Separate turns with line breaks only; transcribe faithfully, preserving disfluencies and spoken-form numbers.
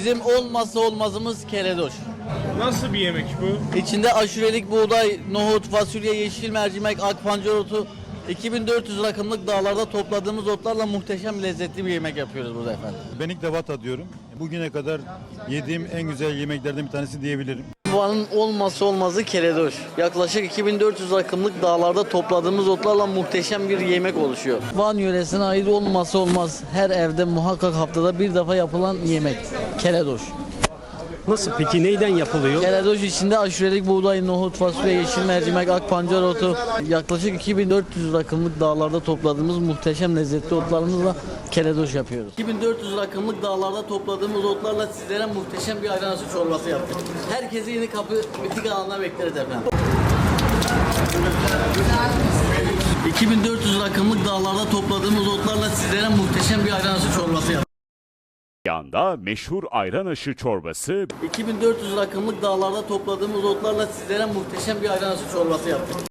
Bizim olmazsa olmazımız keledoş.
Nasıl bir yemek bu?
İçinde aşurelik buğday, nohut, fasulye, yeşil mercimek, ak pancar otu, iki bin dört yüz rakımlık dağlarda topladığımız otlarla muhteşem lezzetli bir yemek yapıyoruz burada efendim.
Ben ilk defa tadıyorum. Bugüne kadar yediğim en güzel yemeklerden bir tanesi diyebilirim.
Van'ın olmazsa olmazı keledoş. Yaklaşık iki bin dört yüz rakımlık dağlarda topladığımız otlarla muhteşem bir yemek oluşuyor. Van yöresine ait olmazsa olmaz her evde muhakkak haftada bir defa yapılan yemek. Keledoş.
Nasıl peki, neyden yapılıyor?
Keledoş içinde aşurelik buğday, nohut, fasulye, yeşil mercimek, ak pancar otu, yaklaşık iki bin dört yüz rakımlık dağlarda topladığımız muhteşem lezzetli otlarımızla keledoş yapıyoruz. iki bin dört yüz rakımlık dağlarda topladığımız otlarla sizlere muhteşem bir ayran ağacı çorbası yaptık. Herkesi yeni kapı bitik alanına bekleriz efendim. iki bin dört yüz rakımlık dağlarda topladığımız otlarla sizlere muhteşem bir ayran ağacı çorbası yaptık.
Yanda meşhur ayran aşı çorbası,
iki bin dört yüz rakımlık dağlarda topladığımız otlarla sizlere muhteşem bir ayran ağacı çorbası yaptık.